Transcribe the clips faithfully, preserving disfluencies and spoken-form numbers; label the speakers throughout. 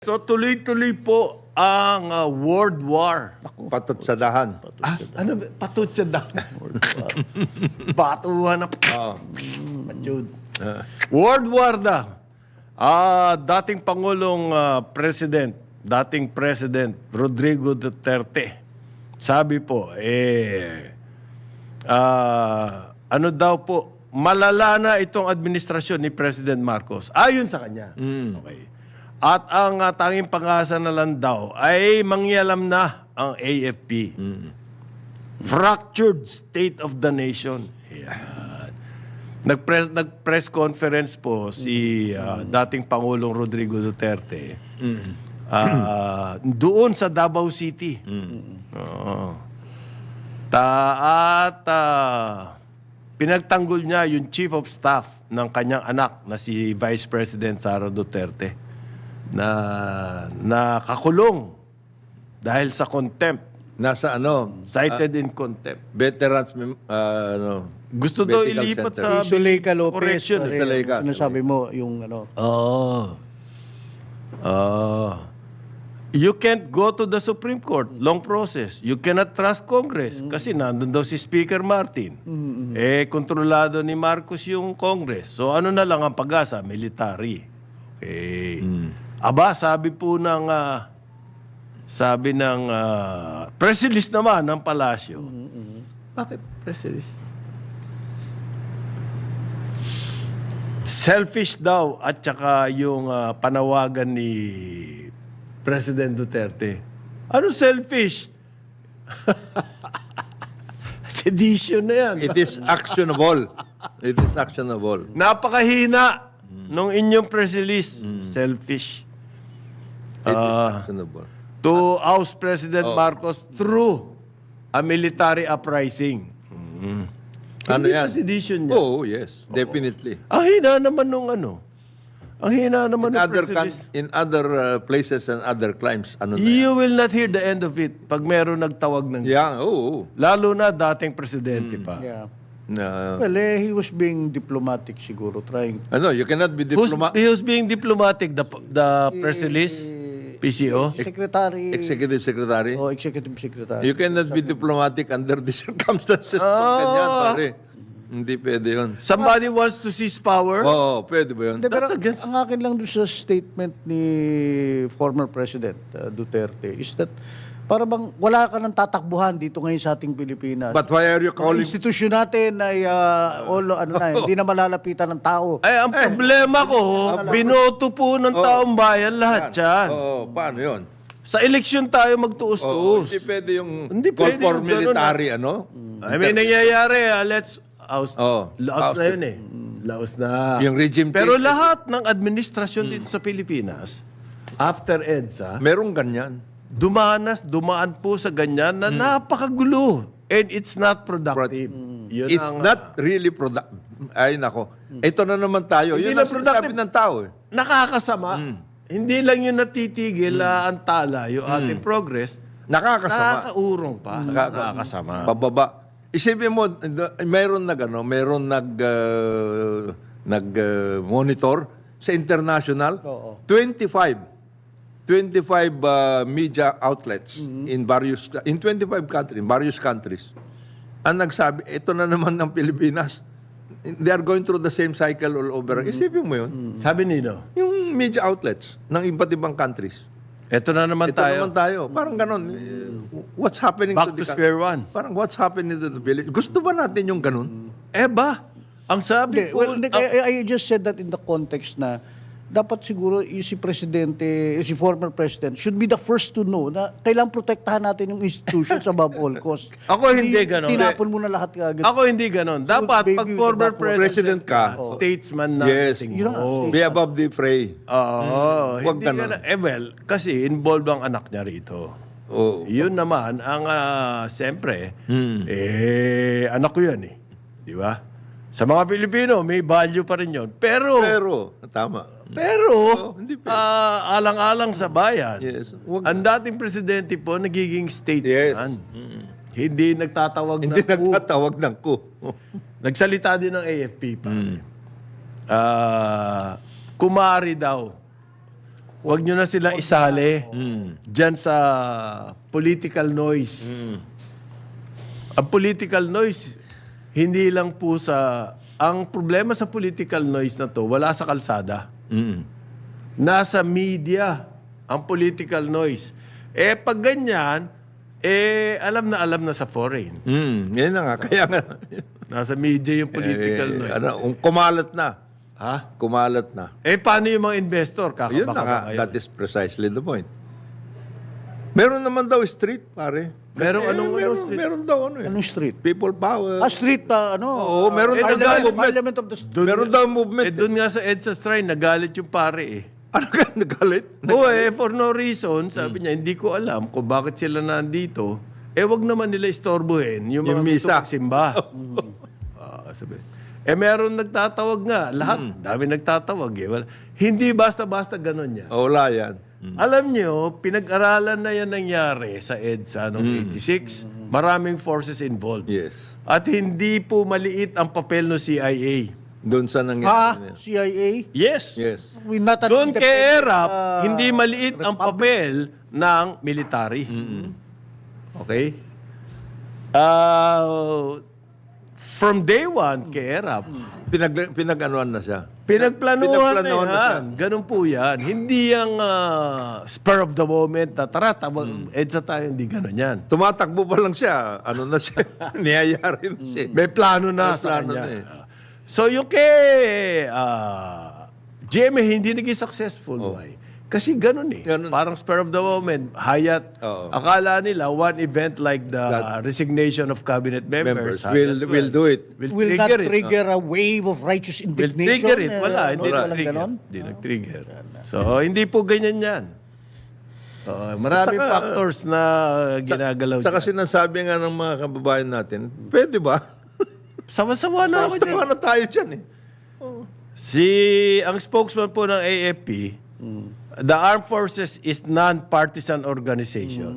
Speaker 1: So tuloy-tuloy po ang uh, World War.
Speaker 2: Patot sa dahan.
Speaker 1: Ah, ano ba? Patot sa dahan. Batuhan na.
Speaker 2: Oo.
Speaker 1: Patud. World War na. Ah, dating Pangulong ah, President, dating President Rodrigo Duterte, sabi po, eh, ah, ano daw po, malala na itong administrasyon ni President Marcos. Ayon sa kanya. Okay. At ang uh, tanging pag-asa na lang daw ay mangyalam na ang A F P. Fractured state of the nation. Yan. Nag-press, nag-press conference po si uh, dating Pangulong Rodrigo Duterte uh, doon sa Davao City. Oo. Ta at uh, pinagtanggol niya yung chief of staff ng kanyang anak na si Vice President Sara Duterte na nakakulong dahil sa contempt.
Speaker 2: Nasa ano,
Speaker 1: Cited in contempt.
Speaker 2: veterans, mem- ah, ano,
Speaker 1: Gusto daw
Speaker 2: medical
Speaker 1: ilipat
Speaker 2: center.
Speaker 1: sa
Speaker 3: Zuleika Lopez.
Speaker 1: correction.
Speaker 3: pare,
Speaker 2: Zuleika.
Speaker 3: Ano sabi mo, yung ano.
Speaker 1: Oh. Oh. You can't go to the Supreme Court. Long process. You cannot trust Congress. Kasi nandun daw si Speaker Martin. Eh, kontrolado ni Marcos yung Congress. So, ano na lang ang pag-asa? Military. Okay. Aba, sabi po ng... ah, sabi ng... Uh, press release naman ng Palasyo. Bakit press release? Selfish daw at saka yung ah, panawagan ni President Duterte. Ano selfish? Sedition na yan.
Speaker 2: It is actionable. It is actionable.
Speaker 1: Napakahina nung inyong press release. Selfish.
Speaker 2: It is actionable.
Speaker 1: To oust President Marcos through a military uprising. Mm.
Speaker 2: Ano
Speaker 1: Hindi
Speaker 2: yan?
Speaker 1: ba sedition niya?
Speaker 2: Oh, yes. Definitely.
Speaker 1: Ang hina naman nung ano. Ang hina naman
Speaker 2: In
Speaker 1: nung
Speaker 2: other,
Speaker 1: press
Speaker 2: coun-
Speaker 1: release.
Speaker 2: in other uh, places and other climes, ano na yan?
Speaker 1: You will not hear the end of it pag meron nagtawag ng...
Speaker 2: Yeah, oh, oh.
Speaker 1: Lalo na dating presidente pa.
Speaker 3: Yeah.
Speaker 2: Na-
Speaker 3: Well, eh, he was being diplomatic siguro, trying.
Speaker 2: ano, you cannot be
Speaker 1: Who's,
Speaker 2: diploma-
Speaker 1: he was being diplomatic, the, the press release, P C O.
Speaker 3: Secretary.
Speaker 2: executive secretary.
Speaker 3: O executive secretary.
Speaker 2: You cannot be diplomatic under the circumstances. Pag ganyan, pare. Hindi pwede yun.
Speaker 1: Somebody wants to seize power.
Speaker 2: Oo, pwede ba yun?
Speaker 3: Hindi, pero
Speaker 1: That's against-
Speaker 3: ang akin lang doon sa statement ni former President uh, Duterte is that para bang wala ka nang tatakbuhan dito ngayon sa ating Pilipinas.
Speaker 2: But why are you
Speaker 3: Ang
Speaker 2: calling...
Speaker 3: institusyon natin ay uh, all, ano na, hindi na malalapitan ng tao.
Speaker 1: Ay, ang problema ko, binoto po ng taong bayan lahat yan.
Speaker 2: Oo, paano yun?
Speaker 1: Sa eleksyon tayo
Speaker 2: Oo,
Speaker 1: magtuos-tuos.
Speaker 2: hindi pwede yung
Speaker 1: Hindi
Speaker 2: call
Speaker 1: pwede
Speaker 2: for
Speaker 1: yung ganun,
Speaker 2: military, ano?
Speaker 1: I mean, nangyayari, ah, let's oust.
Speaker 2: Oh,
Speaker 1: Laos na
Speaker 2: ousted.
Speaker 1: yun eh. Laos na.
Speaker 2: Yung regime
Speaker 1: Pero
Speaker 2: change.
Speaker 1: lahat ng administrasyon dito sa Pilipinas, after EDSA,
Speaker 2: Merong ganyan.
Speaker 1: dumanas, dumaan po sa ganyan na napakagulo. And it's not productive. Yun
Speaker 2: It's
Speaker 1: ang,
Speaker 2: not really productive. Ay, nako. Ito na naman tayo.
Speaker 1: Hindi
Speaker 2: Yun
Speaker 1: na
Speaker 2: ang sinasabi
Speaker 1: productive.
Speaker 2: ng tao eh.
Speaker 1: nakakasama. Hindi lang yun natitigil ah, ang tala, yung ating progress.
Speaker 2: Nakakasama.
Speaker 1: Nakakaurong pa.
Speaker 2: Nakaka-
Speaker 1: Nakakasama.
Speaker 2: Pababa. Isipin mo, mayroon nag, ano, mayroon nag, uh, nag uh, monitor sa international.
Speaker 3: Oo.
Speaker 2: twenty-five. twenty-five uh, media outlets in various, in twenty-five countries, in various countries. Ang nagsabi, ito na naman ng Pilipinas. They are going through the same cycle all over. Isipin mo yun.
Speaker 1: Sabi nino,
Speaker 2: Yung media outlets ng iba't ibang countries.
Speaker 1: eto na naman
Speaker 2: Ito
Speaker 1: tayo.
Speaker 2: naman tayo. Parang ganon. What's happening
Speaker 1: Back
Speaker 2: to
Speaker 1: to
Speaker 2: the
Speaker 1: square one.
Speaker 2: Parang what's happening to the village? Gusto ba natin yung ganun?
Speaker 1: Eh ba? Ang sabi
Speaker 3: Hindi,
Speaker 1: po,
Speaker 3: well, hindi, I, I just said that in the context na dapat siguro yung si Presidente, yung si former President should be the first to know na kailangang protektahan natin yung institutions above all costs.
Speaker 1: Ako hindi ganon.
Speaker 3: Tinapon mo na lahat agad.
Speaker 1: ako hindi ganon. Dapat
Speaker 3: baby,
Speaker 1: pag former
Speaker 3: dapat
Speaker 1: president,
Speaker 2: president ka,
Speaker 1: statesman na.
Speaker 2: yes.
Speaker 1: tingin
Speaker 3: Yun ang
Speaker 1: mo.
Speaker 3: state-
Speaker 2: Be above the fray.
Speaker 1: Oo.
Speaker 2: Huwag
Speaker 1: hindi
Speaker 2: ganon.
Speaker 1: ganon. Eh well, kasi involved ang anak niya rito.
Speaker 2: Oh.
Speaker 1: Yun naman, ang uh, siyempre, eh, anak ko yan eh. Di ba? Sa mga Pilipino, may value pa rin yun. Pero, pero,
Speaker 2: Pero, tama. hindi pwede.
Speaker 1: ah, alang-alang sa bayan,
Speaker 2: Yes. Huwag-
Speaker 1: ang dating presidente po, nagiging statesman. Hindi nagtatawag
Speaker 2: Hindi
Speaker 1: ng ku.
Speaker 2: nagtatawag ng ku.
Speaker 1: Nagsalita din ng A F P pa. Ah, kumari daw Huwag nyo na silang isali dyan sa political noise. Ang political noise, hindi lang po sa... Ang problema sa political noise na to, wala sa kalsada.
Speaker 2: Mm.
Speaker 1: Nasa media ang political noise. Eh, pag ganyan, eh, alam na alam na sa foreign.
Speaker 2: Mm. Yan na nga. Kaya nga.
Speaker 1: Nasa media yung political
Speaker 2: eh,
Speaker 1: noise.
Speaker 2: ano, um, kumalat na.
Speaker 1: Ha?
Speaker 2: Kumalat na.
Speaker 1: Eh, paano yung mga investor? Kakabaka
Speaker 2: Yun na nga.
Speaker 1: ba kayo?
Speaker 2: That is precisely the point. Meron naman daw street, pare.
Speaker 1: Merong
Speaker 2: Eh,
Speaker 1: anong-
Speaker 2: meron,
Speaker 1: anong street?
Speaker 2: meron daw ano eh.
Speaker 3: Anong street?
Speaker 2: People power.
Speaker 3: Ah, street pa, ano?
Speaker 2: Oo, meron
Speaker 3: uh,
Speaker 2: daw
Speaker 3: Parliament,
Speaker 2: movement.
Speaker 3: Parliament of the
Speaker 1: Doon-
Speaker 2: meron daw movement.
Speaker 1: Eh, doon nga sa EDSA Shrine, nagalit yung pare eh.
Speaker 2: Ano ka nagalit?
Speaker 1: Oo eh, for no reason, sabi niya, hindi ko alam kung bakit sila nandito. Eh, wag naman nila istorbohin yung mga
Speaker 2: Yung
Speaker 1: gusto
Speaker 2: misa.
Speaker 1: magsimba. Ah, sabi. Eh, meron nagtatawag nga. Lahat, dami nagtatawag eh. Wala. Hindi basta-basta ganun yan.
Speaker 2: Oh, wala yan.
Speaker 1: Alam nyo, pinag-aralan na yan nangyari sa EDSA noong eighty-six. Maraming forces involved.
Speaker 2: Yes.
Speaker 1: At hindi po maliit ang papel ng C I A.
Speaker 2: Doon sa nangyari.
Speaker 3: Ah,
Speaker 2: na yan.
Speaker 3: C I A?
Speaker 1: Yes.
Speaker 2: Yes.
Speaker 3: We not an
Speaker 1: Doon kay
Speaker 3: independent,
Speaker 1: ERAP,
Speaker 3: uh,
Speaker 1: hindi maliit ang papel ng military. Okay? Uh, from day one kay ERAP,
Speaker 2: Pinag, pinag-anuan na siya.
Speaker 1: pinagplanuhan,
Speaker 2: Pinagplanuhan
Speaker 1: na
Speaker 2: na
Speaker 1: yan. Ganun po yan. Hindi yung ah, spur of the moment na tara, tawag, EDSA tayo, hindi ganun yan.
Speaker 2: Tumatakbo pa lang siya. Ano na siya? Niyayari na siya.
Speaker 1: May plano na
Speaker 2: May
Speaker 1: sa
Speaker 2: plano
Speaker 1: kanya.
Speaker 2: na eh.
Speaker 1: Ah. So yung kay ah, G M A hindi naging successful. Why? Kasi ganun eh.
Speaker 2: Ganun.
Speaker 1: Parang spur of the moment. Hayat,
Speaker 2: Oo.
Speaker 1: akala nila one event like the
Speaker 2: That-
Speaker 1: resignation of cabinet members,
Speaker 2: Members will,
Speaker 1: Hayat,
Speaker 2: will do it.
Speaker 1: will,
Speaker 3: will not
Speaker 1: trigger it.
Speaker 3: trigger a wave of righteous
Speaker 1: Will
Speaker 3: indignation.
Speaker 1: trigger it.
Speaker 3: eh,
Speaker 1: Wala,
Speaker 3: ano,
Speaker 1: hindi
Speaker 3: walang
Speaker 1: nag-trigger.
Speaker 3: ganon?
Speaker 1: Hindi nag-trigger. So, hindi po ganyan yan. Oo, maraming
Speaker 2: Saka-
Speaker 1: factors na ginagalaw
Speaker 2: Saka
Speaker 1: dyan.
Speaker 2: sinasabi nga ng mga kababayan natin, pwede ba?
Speaker 1: Sawa-sawa na ako dyan.
Speaker 2: Sama na tayo dyan eh.
Speaker 1: Si, ang spokesman po ng A F P, the Armed Forces is non-partisan organization.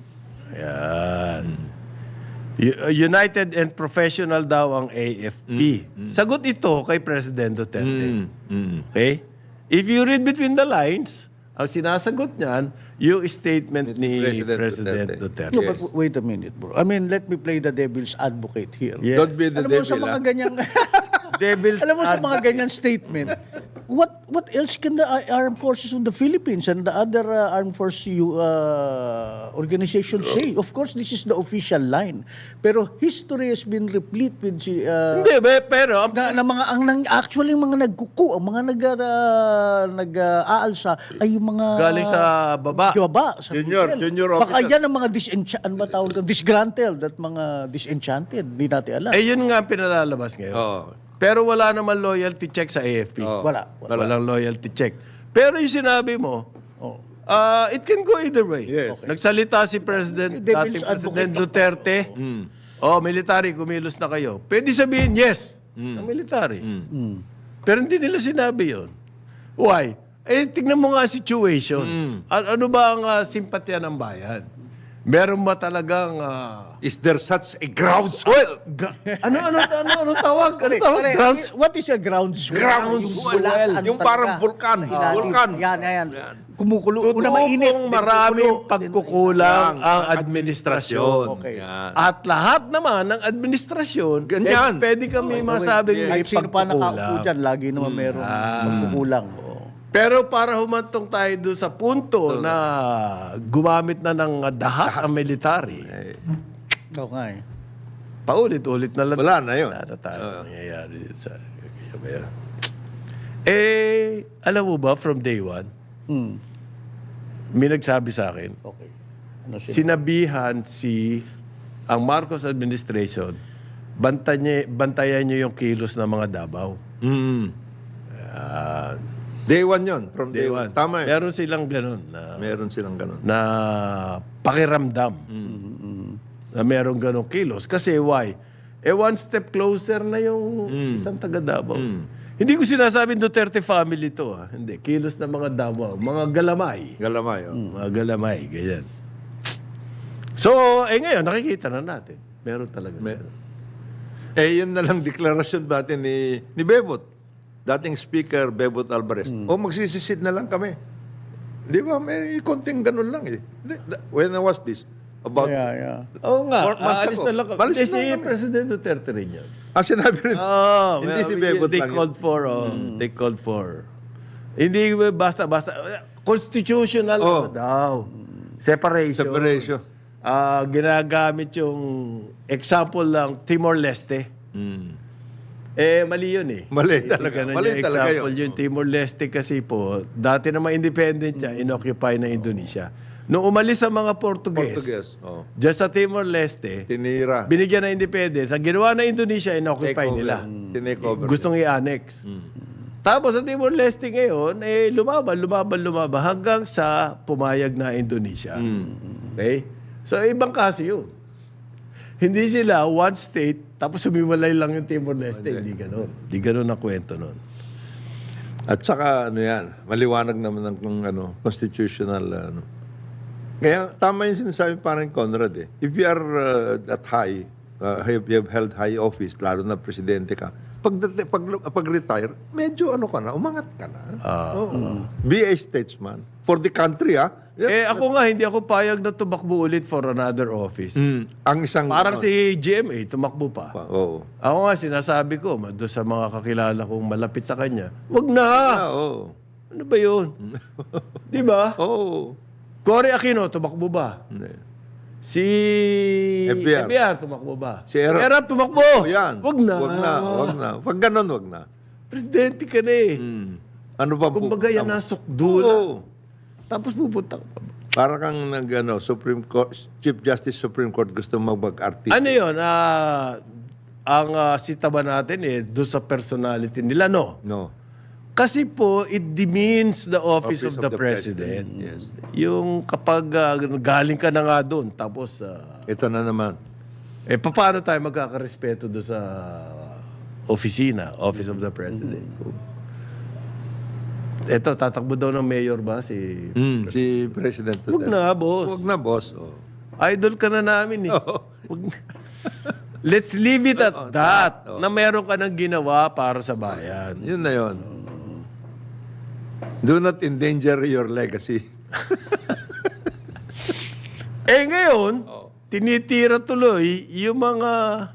Speaker 1: Ayan. U- United and Professional daw ang A F P. Sagot ito kay President Duterte.
Speaker 2: Mm, mm.
Speaker 1: Okay? If you read between the lines, ang sinasagot niyan, yung statement ni
Speaker 2: President
Speaker 1: President,
Speaker 2: Duterte.
Speaker 1: Duterte.
Speaker 3: No, but w- wait a minute, bro. I mean, let me play the devil's advocate here.
Speaker 1: Yes.
Speaker 2: Don't be the
Speaker 3: Alam mo, sa
Speaker 2: devil.
Speaker 3: mga
Speaker 2: ah.
Speaker 3: ganyang...
Speaker 1: Devil's
Speaker 3: Alam mo, sa
Speaker 1: advocate.
Speaker 3: mga ganyan statement, what what else can the uh, armed forces of the Philippines and the other uh, armed force uh, organizations say? Of course, this is the official line. Pero history has been replete with si, uh,
Speaker 1: Hindi, be- pero ang
Speaker 3: na, na mga ang nang, actually yung mga nagkuku, ang mga nag uh, nag-aalsa ay yung mga
Speaker 1: galing sa baba.
Speaker 3: baba sa
Speaker 2: Junior,
Speaker 3: hotel.
Speaker 2: junior
Speaker 3: Baka
Speaker 2: officer.
Speaker 3: yan ang mga disenchant, ano ba tawag doon? Disgruntled at mga disenchanted. Hindi natin alam.
Speaker 1: Eh, yun nga ang pinalalabas ngayon.
Speaker 2: Oo.
Speaker 1: Pero wala naman loyalty check sa A F P.
Speaker 2: Oo.
Speaker 3: Wala. wala.
Speaker 1: Walang loyalty check. Pero yung sinabi mo,
Speaker 3: Oh.
Speaker 1: ah, it can go either way.
Speaker 2: Yes.
Speaker 1: Nagsalita si President,
Speaker 3: Devil's
Speaker 1: dating President
Speaker 3: advocate.
Speaker 1: Duterte. Oh, military, kumilos na kayo. Pwede sabihin, yes, ang military. Pero hindi nila sinabi yon. Why? Eh, tignan mo nga ang situation. A- ano ba ang ah, simpatya ng bayan? Meron ba talagang... ah,
Speaker 2: Is there such a groundswell?
Speaker 1: ga- ano, ano, ano, ano tawag? Ano
Speaker 3: Pare,
Speaker 1: tawag?
Speaker 3: pare,
Speaker 1: Grounds?
Speaker 3: what is a groundswell?
Speaker 2: Groundswell.
Speaker 3: Yung, bulasan
Speaker 2: Yung
Speaker 3: talaga
Speaker 2: parang vulkan.
Speaker 3: sa ilalim.
Speaker 2: Vulkan.
Speaker 3: Yan, yan. Kumukulo.
Speaker 1: Totoo
Speaker 3: Una mainit.
Speaker 1: pong maraming
Speaker 3: kumukulo.
Speaker 1: pagkukulang
Speaker 2: Ang
Speaker 1: ang administrasyon.
Speaker 3: Okay.
Speaker 2: Yan.
Speaker 1: At lahat naman ng administrasyon,
Speaker 2: Ganyan.
Speaker 1: eh, pwede kami masabing may
Speaker 3: Kahit sino pa nakaupo
Speaker 1: pagkukulang.
Speaker 3: dyan, lagi naman merong pagkukulang. Oo.
Speaker 1: Pero para humantong tayo doon sa punto na gumamit na ng dahas ang military,
Speaker 3: Oo nga eh.
Speaker 1: paulit-ulit na lang.
Speaker 2: Wala na yun.
Speaker 1: Wala na tayo nangyayari dito sa... Kaya- Eh, alam mo ba, from day one,
Speaker 3: Hmm.
Speaker 1: may nagsabi sa akin,
Speaker 3: Okay. Ano siya?
Speaker 1: sinabihan si ang Marcos administration, bantayan, bantayan niyo yung kilos ng mga Davao.
Speaker 2: Mm.
Speaker 1: Ah,
Speaker 2: Day one yun. From
Speaker 1: day
Speaker 2: day, one.
Speaker 1: one.
Speaker 2: Tama eh.
Speaker 1: Meron silang ganun na,
Speaker 2: Meron silang ganun.
Speaker 1: na pakiramdam na meron ganong kilos. Kasi why? Eh, one step closer na yung isang taga Davao. Hindi ko sinasabing Duterte family to. Ha? Hindi. Kilos ng mga Davao. Mga galamay.
Speaker 2: Galamay. Oh.
Speaker 1: Mga galamay. Ganyan. So, eh ngayon, nakikita na natin. Meron talaga.
Speaker 2: Me- eh, yun na lang deklarasyon dati ni, ni Bebot. Dating Speaker Bebot Alvarez. O magsisisid na lang kami. Di ba? May konting ganun lang eh. Di- da- When I was this, about...
Speaker 3: Yeah, yeah.
Speaker 1: Oo nga,
Speaker 2: Four months
Speaker 1: aalis
Speaker 2: ago.
Speaker 1: na lang. kami.
Speaker 2: Malis
Speaker 1: Hindi,
Speaker 2: na
Speaker 1: si
Speaker 2: kami.
Speaker 1: President Duterte rin yan.
Speaker 2: Ah, sinabi rin.
Speaker 1: Oh,
Speaker 2: Hindi
Speaker 1: well,
Speaker 2: si Bebot
Speaker 1: they
Speaker 2: lang yun.
Speaker 1: called for, oh, they called for. Hindi basta, basta, constitutional
Speaker 2: Oh.
Speaker 1: ano daw. Separation.
Speaker 2: Separation.
Speaker 1: Ah, ginagamit yung example lang, Timor-Leste.
Speaker 2: Hmm.
Speaker 1: Eh, mali yun eh.
Speaker 2: Mali
Speaker 1: Hindi
Speaker 2: talaga.
Speaker 1: ganun
Speaker 2: Mali
Speaker 1: yung
Speaker 2: talaga
Speaker 1: example
Speaker 2: yun.
Speaker 1: yung Timor-Leste kasi po, dati naman independent siya, inoccupy ng Indonesia. Nung umalis ang mga Portuguese,
Speaker 2: Portuguese. Oh.
Speaker 1: dyan sa Timor-Leste,
Speaker 2: Tinira.
Speaker 1: binigyan ng independence. Ang ginawa ng Indonesia, inoccupy
Speaker 2: Take over.
Speaker 1: nila.
Speaker 2: Tinake over.
Speaker 1: Gustong i-annex. Tapos sa Timor-Leste ngayon, eh, lumaban, lumaban, lumaban hanggang sa pumayag na Indonesia. Okay? So, ibang kaso yun. Hindi sila one state, tapos sumiwalay lang yung Timor-Leste. Hindi ganun. Hindi ganun ang kwento nun.
Speaker 2: At saka, ano yan, maliwanag naman ng kung, ano, constitutional, ano. Kaya, tama yung sinasabi parang Conrad eh. If you are uh, that high, uh, have, you have held high office, lalo na presidente ka, pag, pag, pag retire, medyo ano ka na, umangat ka na. Oo. Be a statesman. For the country, ah. Yan-
Speaker 1: Eh, ako nga, hindi ako payag na tumakbo ulit for another office.
Speaker 2: Mm, ang isang...
Speaker 1: Parang
Speaker 2: ano,
Speaker 1: si G M A, tumakbo pa.
Speaker 2: pa- Oo.
Speaker 1: Ako nga, sinasabi ko, ma- doon sa mga kakilala kong malapit sa kanya, wag na!
Speaker 2: Ah, oo.
Speaker 1: Ano ba yun? Di ba?
Speaker 2: Oo.
Speaker 1: Cory Aquino, tumakbo ba?
Speaker 2: Hindi.
Speaker 1: Si
Speaker 2: F B R.
Speaker 1: F B R, tumakbo ba?
Speaker 2: Si Erap.
Speaker 1: Erap, tumakbo!
Speaker 2: Oh, yan.
Speaker 1: Wag na!
Speaker 2: Wag na, wag na. Pag ganun, wag na.
Speaker 1: Presidente ka na eh.
Speaker 2: Hmm. Ano ba
Speaker 1: Kumbaga yan ang sukdo na.
Speaker 2: Oo.
Speaker 1: Tapos pupunta ka pa.
Speaker 2: Para kang nag, ano, Supreme Court, Chief Justice Supreme Court gusto magbag-artist.
Speaker 1: Ano yun? Ah, ang uh, sita ba natin eh, doon sa personality nila, no?
Speaker 2: No.
Speaker 1: Kasi po, it demeans the office,
Speaker 2: Office
Speaker 1: of, the, president.
Speaker 2: Yes.
Speaker 1: Yung kapag ah, galing ka na nga doon, tapos, ah,
Speaker 2: Ito na naman.
Speaker 1: eh, paano tayo magkakarespeto doon sa opisina, Office of the President? Ito, tatakbo daw ng mayor ba si...
Speaker 2: Mm, si President
Speaker 1: Huwag na, boss.
Speaker 2: Huwag na, boss. Oh.
Speaker 1: Idol ka na namin eh. Wag na. Let's leave it at that. Na meron ka ng ginawa para sa bayan.
Speaker 2: Yun na yun. Do not endanger your legacy.
Speaker 1: Eh ngayon, tinitira tuloy yung mga